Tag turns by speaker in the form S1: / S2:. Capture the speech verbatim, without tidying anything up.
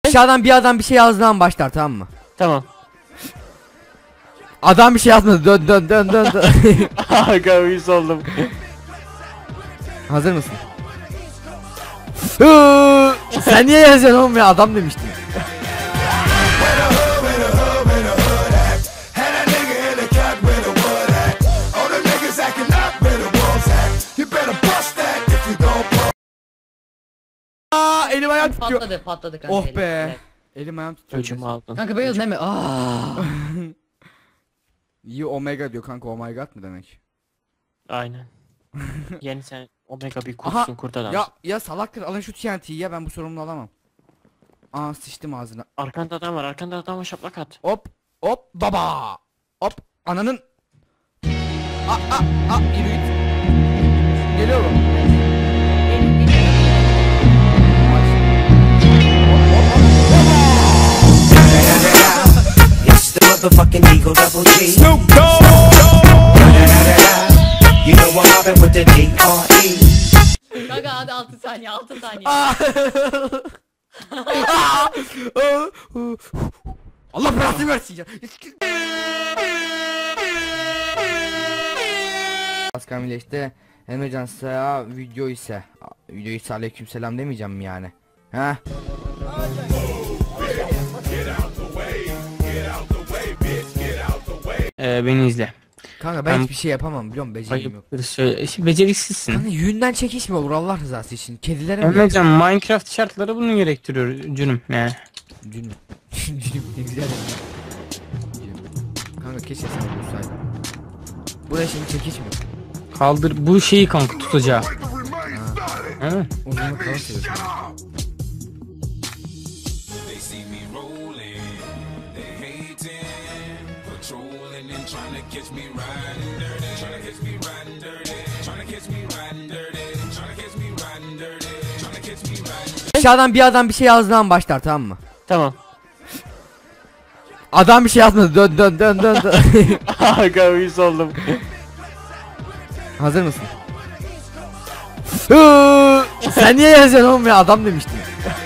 S1: Aşağıdan bir adam bir şey yazdığından başlar, tamam mı?
S2: Tamam.
S1: Adam bir şey yazmadı. Dön dön dön dön dön.
S2: Aga uyuz oldum.
S1: Hazır mısın? Sen niye yazıyorsun oğlum ya? Adam demiştin. Aa, elim ayağım tutuyor.
S3: Patladı patladı kanka.
S1: Oh
S3: elim.
S1: be.
S3: Evet.
S1: Elim ayağım tutuyor.
S2: Öcümü aldın.
S3: Kanka beyaz değil mi? Aa.
S1: İyi omega diyor kanka, oh my god mı demek?
S2: Aynen. Yeni sen omega bir
S1: Aha,
S2: kurtsun kurt adam.
S1: Ya ya salaktır, alın şu T N T'yi ya, ben bu sorumluluğu alamam. Aa, sıçtım ağzına.
S2: Arkanda adam var, arkanda adam var, şaplak at.
S1: Hop hop baba. Hop ananın. Aa aa aa, yürü git. Geliyorum.
S4: It's the motherfucking Eagle Double G. Snoop Dogg. You know I'm mobbing with the D R E.
S3: Kanka hadi altı saniye altı saniye.
S1: Allah belasını versin ya. Askamile işte Emrecan'sa video ise video ise aleykümselam demeyeceğim mi yani? Ha?
S2: Ee, beni izle.
S1: Kanka ben
S2: Ben-
S1: hiçbir şey yapamam, biliyorum, beceriğim yok.
S2: Hayır, söyle. İşte beceriksizsin.
S1: Kanka yüğünden çekişme olur Allah rızası için. Kedilere mi?
S2: Emrecan, Minecraft şartları bunu gerektiriyor cünüm yani.
S1: Cünüm. Cünüm ne güzel. Cünüm. Kanka keşke sana bulsaydım. Buraya şimdi çekişmiyor.
S2: Kaldır bu şeyi kanka tutacağı. Ha.
S1: Uzunluk falan seviyorsun. Aşağıdan bir adam bir şey yazdığından başlar, tamam mı?
S2: Tamam.
S1: Adam bir şey yazmadı. Dön dön dön dön dön.
S2: Aga uyuz oldum.
S1: Hazır mısın? Sen niye yazıyorsun oğlum ya? Adam demiştin.